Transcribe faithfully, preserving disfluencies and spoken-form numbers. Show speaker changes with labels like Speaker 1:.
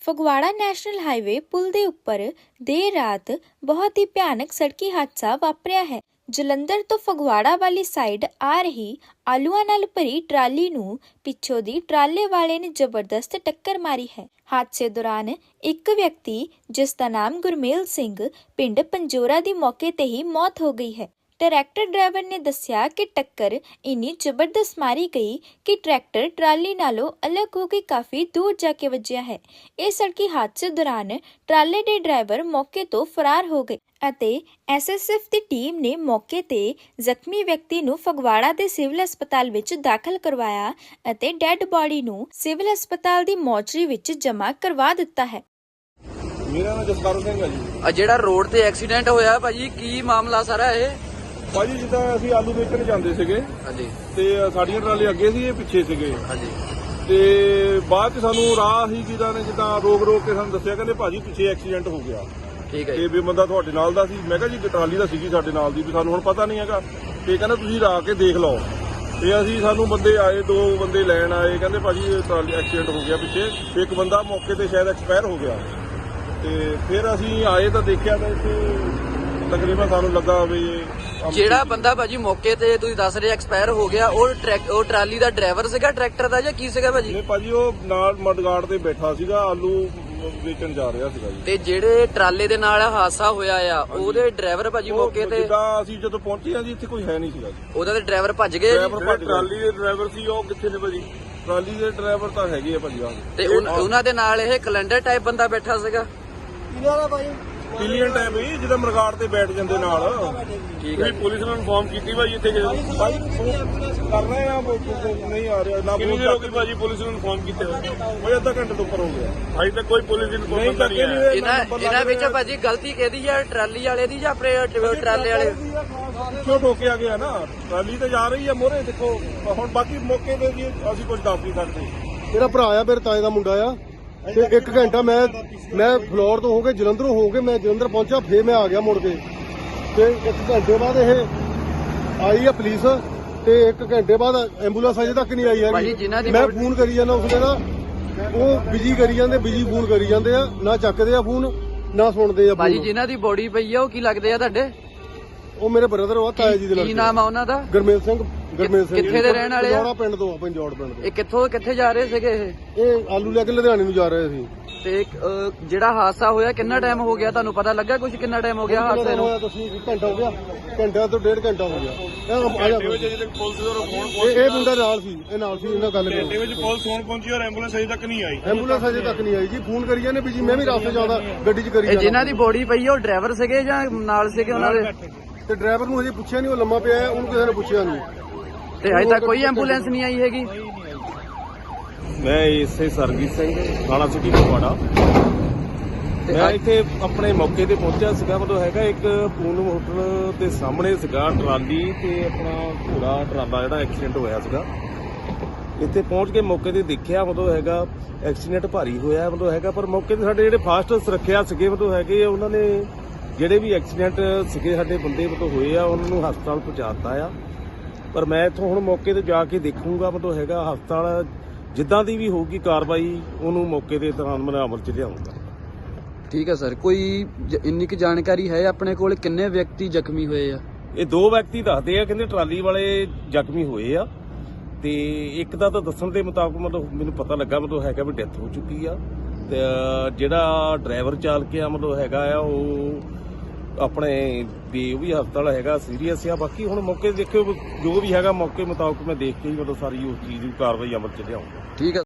Speaker 1: Phagwara national highway ਪੁਲ ਦੇ ਉੱਪਰ ਦੇਰ ਰਾਤ ਬਹੁਤ ਹੀ ਭਿਆਨਕ ਸੜਕੀ ਹਾਦਸਾ ਵਾਪਰਿਆ ਹੈ। ਜਲੰਧਰ ਤੋਂ ਫਗਵਾੜਾ ਵਾਲੀ ਸਾਈਡ ਆ ਰਹੀ ਆਲੂਆਂ ਨਾਲ ਭਰੀ ਟਰਾਲੀ ਨੂੰ ਪਿੱਛੋਂ ਦੀ ਟਰਾਲੇ ਵਾਲੇ ਨੇ ਜ਼ਬਰਦਸਤ ਟੱਕਰ ਮਾਰੀ ਹੈ। ਹਾਦਸੇ ਦੌਰਾਨ ਇੱਕ ਵਿਅਕਤੀ ਜਿਸ ਦਾ ਨਾਮ ਗੁਰਮੇਲ ਸਿੰਘ ਪਿੰਡ ਪੰਜੋਰਾ ਦੀ ਮੌਕੇ ਤੇ ਹੀ ਮੌਤ ਹੋ ਗਈ ਹੈ। ਟਰੈਕਟਰ ਡਰਾਈਵਰ ਨੇ ਦੱਸਿਆ ਕਿ ਟੱਕਰ ਇੰਨੀ ਜ਼ਬਰਦਸਤ ਮਾਰੀ ਗਈ ਕਿ ਟਰੈਕਟਰ ਟਰਾਲੀ ਨਾਲੋਂ ਅਲੱਗ ਹੋ ਕੇ ਕਾਫੀ ਦੂਰ ਜਾ ਕੇ ਵੱਜਿਆ ਹੈ। ਇਹ ਸੜਕੀ ਹਾਦਸੇ ਦੌਰਾਨ ਟਰਾਲੇ ਦੇ ਡਰਾਈਵਰ ਮੌਕੇ ਤੋਂ ਫਰਾਰ ਹੋ ਗਏ ਅਤੇ ਐਸ ਐਸ ਐਫ ਦੀ ਟੀਮ ਨੇ ਮੌਕੇ ਤੇ ਜ਼ਖਮੀ ਵਿਅਕਤੀ ਨੂੰ ਫਗਵਾੜਾ ਦੇ ਸਿਵਲ ਹਸਪਤਾਲ ਵਿੱਚ ਦਾਖਲ ਕਰਵਾਇਆ ਅਤੇ ਡੈੱਡ ਬਾਡੀ ਨੂੰ ਸਿਵਲ ਹਸਪਤਾਲ ਦੀ ਮੋਰਚਰੀ ਵਿੱਚ ਜਮ੍ਹਾਂ ਕਰਵਾ ਦਿੱਤਾ ਹੈ।
Speaker 2: ਮੇਰਾ ਨਾਮ ਜਸਕਰਨ ਸਿੰਘ ਹੈ ਜੀ।
Speaker 3: ਆ ਜਿਹੜਾ ਰੋਡ ਤੇ ਐਕਸੀਡੈਂਟ ਹੋਇਆ ਭਾਜੀ, ਕੀ ਮਾਮਲਾ ਸਾਰਾ ਇਹ?
Speaker 2: ਭਾਜੀ ਜਿੱਦਾਂ ਅਸੀਂ ਆਲੂ ਵੇਚਣ ਜਾਂਦੇ ਸੀਗੇ
Speaker 3: ਹਾਂਜੀ
Speaker 2: ਤੇ ਸਾਡੀਆਂ ਟਰਾਲੇ ਅੱਗੇ ਸੀ, ਇਹ ਪਿੱਛੇ ਸੀਗੇ
Speaker 3: ਹਾਂਜੀ
Speaker 2: ਤੇ ਬਾਅਦ ਚ ਸਾਨੂੰ ਰਾਹ ਹੀ ਜਿਹਦਾ ਨੇ ਜਿੱਦਾਂ ਰੋਕ ਰੋਕ ਕੇ ਸਾਨੂੰ ਦੱਸਿਆ, ਕਹਿੰਦੇ ਭਾਜੀ ਪਿੱਛੇ ਐਕਸੀਡੈਂਟ ਹੋ ਗਿਆ।
Speaker 3: ਠੀਕ ਹੈ
Speaker 2: ਤੇ ਵੀ ਬੰਦਾ ਤੁਹਾਡੇ ਨਾਲ ਦਾ ਸੀ। ਮੈਂ ਕਿਹਾ ਜੀ ਟਰਾਲੀ ਦਾ ਸੀਗੀ ਸਾਡੇ ਨਾਲ ਦੀ, ਵੀ ਸਾਨੂੰ ਹੁਣ ਪਤਾ ਨਹੀਂ ਹੈਗਾ। ਤੇ ਕਹਿੰਦਾ ਤੁਸੀਂ ਰਾ ਕੇ ਦੇਖ ਲਓ। ਤੇ ਅਸੀਂ ਸਾਨੂੰ ਬੰਦੇ ਆਏ, ਦੋ ਬੰਦੇ ਲੈਣ ਆਏ, ਕਹਿੰਦੇ ਭਾਜੀ ਟਰਾਲੀ ਐਕਸੀਡੈਂਟ ਹੋ ਗਿਆ ਪਿੱਛੇ। ਇੱਕ ਬੰਦਾ ਮੌਕੇ ਤੇ ਸ਼ਾਇਦ ਐਕਸਪਾਇਰ ਹੋ ਗਿਆ। ਤੇ ਫਿਰ ਅਸੀਂ ਆਏ ਤਾਂ ਦੇਖਿਆ ਤਾਂ ਇੱਥੇ ਤਕਰੀਬਨ ਸਾਨੂੰ ਲੱਗਾ ਵੀ
Speaker 3: ਜਿਹੜਾ ਬੰਦਾ ਭਾਜੀ ਮੌਕੇ ਤੇ ਤੁਸੀਂ ਦੱਸ ਰਹੇ ਐਕਸਪਾਇਰ ਹੋ ਗਿਆ, ਉਹ ਟਰੈਕ ਉਹ ਟਰਾਲੀ ਦਾ ਡਰਾਈਵਰ ਸੀਗਾ, ਟਰੈਕਟਰ ਦਾ, ਜਾਂ ਕੀ ਸੀਗਾ ਭਾਜੀ?
Speaker 2: ਨਹੀਂ ਭਾਜੀ, ਉਹ ਨਾਲ ਮਡਗਾਰਡ ਤੇ ਬੈਠਾ ਸੀਗਾ, ਆਲੂ ਵੇਚਣ ਜਾ ਰਿਹਾ ਸੀਗਾ ਜੀ।
Speaker 3: ਤੇ ਜਿਹੜੇ ਟਰਾਲੇ ਦੇ ਨਾਲ ਹਾਦਸਾ ਹੋਇਆ ਆ, ਉਹਦੇ ਡਰਾਈਵਰ ਭਾਜੀ ਮੌਕੇ ਤੇ?
Speaker 2: ਜਿੱਦਾਂ ਅਸੀਂ ਜਦੋਂ ਪਹੁੰਚੇ ਆ ਜੀ, ਇੱਥੇ ਕੋਈ ਹੈ ਨਹੀਂ ਸੀਗਾ ਜੀ।
Speaker 3: ਉਹਦਾ ਤੇ ਡਰਾਈਵਰ ਭੱਜ ਗਏ?
Speaker 2: ਟਰਾਲੀ ਦੇ ਡਰਾਈਵਰ ਸੀ ਉਹ ਕਿੱਥੇ ਨੇ ਭਾਜੀ? ਟਰਾਲੀ ਦੇ ਡਰਾਈਵਰ ਤਾਂ ਹੈਗੇ ਆ ਭਾਜੀ।
Speaker 3: ਤੇ ਉਹਨਾਂ ਦੇ ਨਾਲ ਇਹ ਕੈਲੰਡਰ ਟਾਈਪ ਬੰਦਾ ਬੈਠਾ ਸੀਗਾ?
Speaker 2: ਪਿਲੀਅਨ ਟਾਈਪ ਹੀ ਜਿਹਦਾ ਮਰਗਾੜ ਤੇ ਬੈਠ ਜਾਂਦੇ ਨਾਲ।
Speaker 3: ਠੀਕ ਹੈ।
Speaker 2: ਪੁਲਿਸ ਨੂੰ ਇਨਫੋਰਮ ਕੀਤੀ ਭਾਜੀ ਇੱਥੇ ਭਾਈ ਕਰ ਰਹੇ ਆ, ਨਹੀਂ ਆ ਰਿਹਾ ਨਾ। ਕਿੰਨੀ ਦੇਰ ਹੋ ਗਈ ਭਾਜੀ ਪੁਲਿਸ ਨੂੰ ਇਨਫੋਰਮ ਕੀਤੇ? ਉਹ ਅੱਧਾ ਘੰਟੇ ਤੋਂ ਉੱਪਰ ਹੋ ਗਿਆ। ਅਜੇ ਤੱਕ ਕੋਈ ਪੁਲਿਸ ਇਨਫੋਰਮੇਸ਼ਨ ਨਹੀਂ ਹੈ।
Speaker 3: ਇਹਨਾਂ ਇਹਨਾਂ ਵਿੱਚ ਭਾਜੀ ਗਲਤੀ ਕਿਹਦੀ ਹੈ, ਟਰਾਲੀ ਵਾਲੇ ਦੀ ਜਾਂ ਆਪਣੇ ਟਰਾਲੇ ਵਾਲੇ?
Speaker 2: ਕਿਉਂ ਠੋਕਿਆ ਗਿਆ ਨਾ? ਟਰਾਲੀ ਤੇ ਜਾ ਰਹੀ ਹੈ ਮੋਹਰੇ, ਦੇਖੋ ਹੁਣ। ਬਾਕੀ ਮੌਕੇ ਤੇ ਜੀ ਅਸੀਂ ਕੁਝ ਦੱਸ ਨਹੀਂ ਸਕਦੇ।
Speaker 4: ਮੇਰਾ ਭਰਾ ਆ, ਮੇਰੇ ਤਾਏ ਦਾ ਮੁੰਡਾ ਆ। ਤੇ ਇੱਕ ਘੰਟਾ ਮੈਂ ਮੈਂ ਫਲੋਰ ਤੋਂ ਹੋ ਕੇ ਜਲੰਧਰੋਂ ਹੋ ਕੇ ਮੈਂ ਜਲੰਧਰ ਪਹੁੰਚਾ, ਫੇਰ ਮੈਂ ਆ ਗਿਆ ਮੁੜ ਕੇ। ਤੇ ਇੱਕ ਘੰਟੇ ਬਾਅਦ ਇਹ ਆਈ ਆ ਪੁਲਿਸ, ਤੇ ਇੱਕ ਘੰਟੇ ਬਾਅਦ ਐਂਬੂਲੈਂਸ ਅਜੇ ਤੱਕ ਨਹੀਂ ਆਈ ਹੈਗੀ। ਮੈਂ ਫੋਨ ਕਰੀ ਜਾਂਦਾ ਉਸਨੇ ਨਾ, ਉਹ ਬਿਜੀ ਕਰੀ ਜਾਂਦੇ, ਬਿਜੀ ਫੋਨ ਕਰੀ ਜਾਂਦੇ ਆ, ਨਾ ਚੱਕਦੇ ਆ ਫੋਨ ਨਾ ਸੁਣਦੇ ਆ।
Speaker 3: ਭਾਜੀ ਜਿਨ੍ਹਾਂ ਦੀ ਬੋਡੀ ਪਈ ਆ ਉਹ ਕੀ ਲੱਗਦੇ ਆ ਤੁਹਾਡੇ?
Speaker 4: ਉਹ ਮੇਰੇ ਬ੍ਰਦਰ ਆ, ਤਾਇਆ ਜੀ ਦੇ ਨਾਲ।
Speaker 3: ਕੀ ਨਾਮ ਆ ਉਹਨਾਂ ਦਾ?
Speaker 4: ਗੁਰਮੇਲ ਸਿੰਘ। ਗੁਰਮੇਲ ਸਿੰਘ
Speaker 3: ਕਿੱਥੇ ਦੇ ਰਹਿਣ ਵਾਲੇ ਆ?
Speaker 4: ਪੰਜੋੜਾ ਪਿੰਡ ਤੋਂ ਆ, ਪੰਜੋੜ ਪਿੰਡ ਤੋਂ।
Speaker 3: ਇਹ ਕਿੱਥੋਂ ਕਿੱਥੇ ਜਾ ਰਹੇ ਸੀਗੇ ਇਹ?
Speaker 4: ਇਹ ਆਲੂ ਲੈ ਕੇ ਲੁਧਿਆਣੇ ਨੂੰ ਜਾ ਰਹੇ ਸੀ।
Speaker 3: ਤੇ ਜਿਹੜਾ ਹਾਦਸਾ ਹੋਇਆ ਕਿੰਨਾ ਟਾਈਮ ਹੋ ਗਿਆ, ਤੁਹਾਨੂੰ ਪਤਾ ਲੱਗਾ ਕੁਝ? ਕਿੰਨਾ ਟਾਈਮ ਹੋ ਗਿਆ ਹਾਦਸੇ ਨੂੰ?
Speaker 4: ਘੰਟਾ ਹੋ ਗਿਆ, ਘੰਟਾ ਤੋਂ ਡੇਢ ਘੰਟਾ ਹੋ ਗਿਆ। ਇਹ ਮੁੰਡਾ ਨਾਲ ਸੀ, ਇਹ ਨਾਲ ਸੀ, ਇਹਨਾਂ ਗੱਲ
Speaker 2: ਘੰਟੇ ਵਿੱਚ ਪੁਲਿਸ ਫੋਨ ਪਹੁੰਚੀ ਔਰ ਐਂਬੂਲੈਂਸ ਅਜੇ ਤੱਕ ਨਹੀਂ ਆਈ।
Speaker 4: ਐਂਬੂਲੈਂਸ ਅਜੇ ਤੱਕ ਨਹੀਂ ਆਈ ਜੀ। ਫੋਨ ਕਰੀ ਜਾਂਦੇ ਵੀ ਜੀ, ਮੈਂ ਵੀ ਰਾਸਤੇ ਜਾਂਦਾ ਗੱਡੀ 'ਚ ਕਰੀ ਜਾਂਦਾ।
Speaker 3: ਜਿਨ੍ਹਾਂ ਦੀ ਬੋਡੀ ਪਈ ਆ ਉਹ ਡਰਾਈਵਰ ਸੀਗੇ ਜਾਂ ਨਾਲ ਸੀਗੇ ਉਹਨਾਂ ਦੇ?
Speaker 4: ਤੇ ਡਰਾਈਵਰ ਨੂੰ ਹਜੇ ਪੁੱਛਿਆ ਨਹੀਂ, ਉਹ ਲੰਮਾ ਪਿਆ ਹੈ, ਉਹਨੂੰ ਕਿਸੇ ਨੇ ਪੁੱਛਿਆ ਨਹੀਂ।
Speaker 3: ਤੇ ਅਜੇ ਤੱਕ ਕੋਈ ਐਂਬੂਲੈਂਸ ਨਹੀਂ ਆਈ ਹੈਗੀ?
Speaker 2: ਮੈਂ ਇਸੇ ਸਰਜੀਤ ਸਿੰਘ, ਥਾਣਾ ਸਿਟੀ ਫਗਵਾੜਾ। ਮੈਂ ਇੱਥੇ ਆਪਣੇ ਮੌਕੇ ਤੇ ਪਹੁੰਚਿਆ ਸੀਗਾ। ਮਤਲਬ ਹੈਗਾ ਇੱਕ ਪੂਨਮ ਹੋਟਲ ਦੇ ਸਾਹਮਣੇ ਸੀਗਾ ਟਰਾਲੀ ਤੇ ਆਪਣਾ ਘੋੜਾ ਟਰਾਲਾ ਜਿਹੜਾ ਐਕਸੀਡੈਂਟ ਹੋਇਆ ਸੀਗਾ। ਇੱਥੇ ਪਹੁੰਚ ਕੇ ਮੌਕੇ ਤੇ ਦੇਖਿਆ, ਮਤਲਬ ਹੈਗਾ ਐਕਸੀਡੈਂਟ ਭਾਰੀ ਹੋਇਆ ਮਤਲਬ ਹੈਗਾ। ਪਰ ਮੌਕੇ ਤੇ ਸਾਡੇ ਜਿਹੜੇ ਫਾਸਟ ਸੁਰੱਖਿਆ ਸੀਗੇ ਮਤਲਬ ਹੈਗੇ, ਉਹਨਾਂ ਨੇ ਜਿਹੜੇ ਵੀ ਐਕਸੀਡੈਂਟ ਸੀਗੇ ਸਾਡੇ ਬੰਦੇ ਮਤਲਬ ਹੋਏ ਆ, ਉਹਨਾਂ ਨੂੰ ਹਸਪਤਾਲ ਪਹੁੰਚਾ ਦਿੱਤਾ ਆ। ਪਰ ਮੈਂ ਇੱਥੋਂ ਹੁਣ ਮੌਕੇ ਤੇ ਜਾ ਕੇ ਦੇਖੂੰਗਾ, ਮਤਲਬ ਹੈਗਾ ਹਸਪਤਾਲ ਜਿੱਦਾਂ ਦੀ ਵੀ ਹੋਊਗੀ ਕਾਰਵਾਈ, ਉਹਨੂੰ ਮੌਕੇ ਦੇ ਦੌਰਾਨ ਮੈਂ ਅਮਲ 'ਚ ਲਿਆਉਂਗਾ।
Speaker 3: ਠੀਕ ਹੈ ਸਰ। ਕੋਈ ਇੰਨੀ ਕੁ ਜਾਣਕਾਰੀ ਹੈ ਆਪਣੇ ਕੋਲ ਕਿੰਨੇ ਵਿਅਕਤੀ ਜ਼ਖਮੀ ਹੋਏ ਆ?
Speaker 2: ਇਹ ਦੋ ਵਿਅਕਤੀ ਦੱਸਦੇ ਆ, ਕਹਿੰਦੇ ਟਰਾਲੀ ਵਾਲੇ ਜ਼ਖਮੀ ਹੋਏ ਆ। ਤੇ ਇੱਕ ਦਾ ਤਾਂ ਦੱਸਣ ਦੇ ਮੁਤਾਬਕ ਮਤਲਬ ਮੈਨੂੰ ਪਤਾ ਲੱਗਾ ਮਤਲਬ ਹੈਗਾ ਵੀ ਡੈਥ ਹੋ ਚੁੱਕੀ ਆ। ਤੇ ਜਿਹੜਾ ਡਰਾਈਵਰ ਚਾਲਕ ਆ ਮਤਲਬ ਹੈਗਾ ਆ, ਉਹ ਆਪਣੇ ਵੀ ਉਹ ਵੀ ਹਸਪਤਾਲ ਹੈਗਾ, ਸੀਰੀਅਸ ਆ। ਬਾਕੀ ਹੁਣ ਮੌਕੇ ਦੇਖਿਓ ਜੋ ਵੀ ਹੈਗਾ, ਮੌਕੇ ਮੁਤਾਬਕ ਮੈਂ ਦੇਖ ਕੇ ਹੀ ਮਤਲਬ ਸਾਰੀ ਉਸ ਚੀਜ਼ ਦੀ ਕਾਰਵਾਈ ਅਮਲ 'ਚ ਲਿਆਉਂਗਾ।
Speaker 3: ਠੀਕ ਹੈ।